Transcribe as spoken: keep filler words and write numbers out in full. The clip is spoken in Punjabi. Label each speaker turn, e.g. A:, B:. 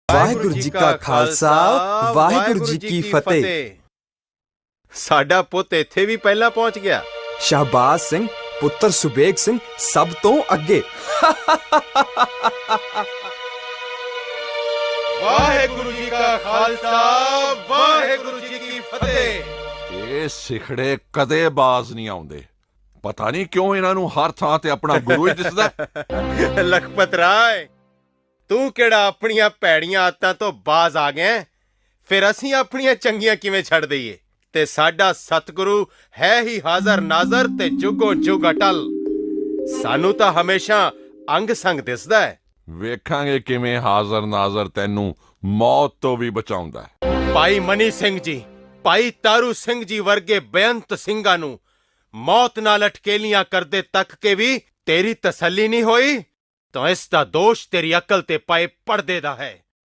A: ਵਾਹਿਗੁਰੂ ਜੀ ਕਾ ਖਾਲਸਾ ਵਾਹਿਗੁਰੂ ਜੀ ਕੀ ਫਤਿਹ।
B: ਸਾਡਾ ਪੁੱਤ ਇੱਥੇ ਵੀ ਪਹਿਲਾਂ ਪਹੁੰਚ ਗਿਆ।
A: ਸ਼ਹਬਾਜ਼ ਸਿੰਘ ਪੁੱਤਰ ਸੁਬੇਗ ਸਿੰਘ ਸਭ ਤੋਂ ਅੱਗੇ।
B: ਵਾਹਿਗੁਰੂ ਜੀ ਕਾ ਖਾਲਸਾ ਵਾਹਿਗੁਰੂ ਜੀ ਕੀ ਫਤਿਹ।
C: ਇਹ ਸਿਖੜੇ ਕਦੇ ਬਾਜ਼ ਨਹੀਂ ਆਉਂਦੇ। ਪਤਾ ਨਹੀਂ ਕਿਉਂ ਇਹਨਾਂ ਨੂੰ ਹਰ ਥਾਂ ਤੇ ਆਪਣਾ ਗੁਰੂ ਹੀ ਦਿਸਦਾ।
B: ਲਖਪਤ ਰਾਏ, ਤੂੰ ਕਿਹੜਾ ਆਪਣੀਆਂ ਭੈੜੀਆਂ ਆਦਤਾਂ ਤੋਂ ਬਾਜ਼ ਆ ਗਿਆ? ਫਿਰ ਅਸੀਂ ਆਪਣੀਆਂ ਚੰਗੀਆਂ ਕਿਵੇਂ ਛੱਡ ਦਈਏ? ਤੇ ਸਾਡਾ ਸਤਿਗੁਰੂ ਹੈ ਹੀ ਹਾਜ਼ਰ ਨਾਜ਼ਰ ਤੇ ਜੁਗੋ ਜੁਗ ਅਟਲ। ਸਾਨੂੰ ਤਾਂ ਹਮੇਸ਼ਾ ਅੰਗ ਸੰਗ ਦਿਸਦਾ ਹੈ।
C: ਵੇਖਾਂਗੇ ਕਿਵੇਂ ਹਾਜ਼ਰ ਨਾਜ਼ਰ ਤੈਨੂੰ ਮੌਤ ਤੋਂ ਵੀ ਬਚਾਉਂਦਾ ਹੈ।
B: ਭਾਈ ਮਨੀ ਸਿੰਘ ਜੀ, ਭਾਈ ਤਾਰੂ ਸਿੰਘ ਜੀ ਵਰਗੇ ਬੇਅੰਤ ਸਿੰਘਾਂ ਨੂੰ ਮੌਤ ਨਾਲ ਅਟਕੇਲੀਆਂ ਕਰਦੇ ਤੱਕ ਕੇ ਵੀ ਤੇਰੀ ਤਸੱਲੀ ਨਹੀਂ ਹੋਈ, ਤਾਂ ਇਸ ਦਾ ਦੋਸ਼ ਤੇਰੀ ਅਕਲ ਤੇ ਪਏ ਪਰਦੇ ਦਾ ਹੈ।